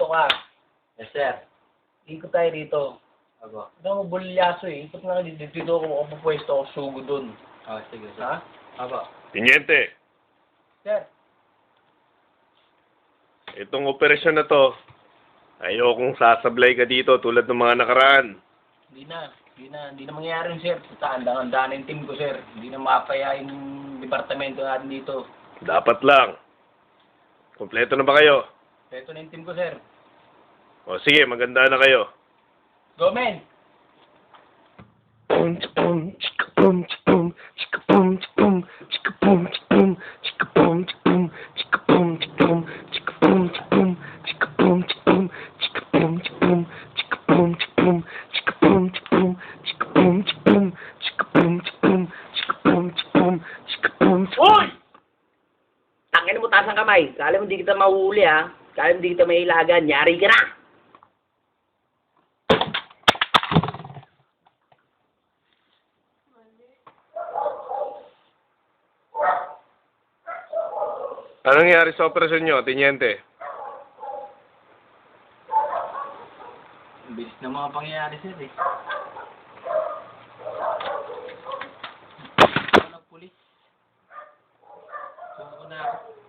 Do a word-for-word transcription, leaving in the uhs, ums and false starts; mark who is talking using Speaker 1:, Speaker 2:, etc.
Speaker 1: dito ka.
Speaker 2: Yes, sir.
Speaker 1: Ikot tayo dito.
Speaker 2: Opo.
Speaker 1: Ito mo bulyaso eh. Ikot na dito. Dito ako makapapwesto ako sugo dun.
Speaker 2: Oh, sige, sir.
Speaker 1: Ha?
Speaker 2: Opo.
Speaker 3: Tiniente,
Speaker 1: Sir.
Speaker 3: itong operasyon na to, ayokong sasablay ka dito tulad ng mga nakaraan.
Speaker 1: Hindi na. Hindi na. Hindi na mangyayari yun, sir. Tandaan-tandaan yung team ko, sir. Hindi na mapaya yung departamento natin dito.
Speaker 3: Dapat lang. Kompleto na ba kayo?
Speaker 1: Ito na yung team ko, sir.
Speaker 3: O sige, maganda na kayo.
Speaker 1: Go, men!
Speaker 3: Boom, boom, chika boom, boom, chika boom, boom, chika boom, boom, chika boom, boom, chika boom, boom, chika boom, boom, chika boom, boom, chika boom, boom, chika boom, boom, chika boom, boom, chika boom, boom, chika boom, boom, chika boom, boom, chika boom,
Speaker 4: Uy! Tangin mo taas ang kamay. Kala mo hindi kita mahuhuli ha. Kala mo hindi kita mailagan. Yari ka na.
Speaker 3: Anong nangyari sa operasyon nyo, Tiniente?
Speaker 1: Ang bilis na mga pangyayari, sir eh. Ako ng pulis. Suko na ako.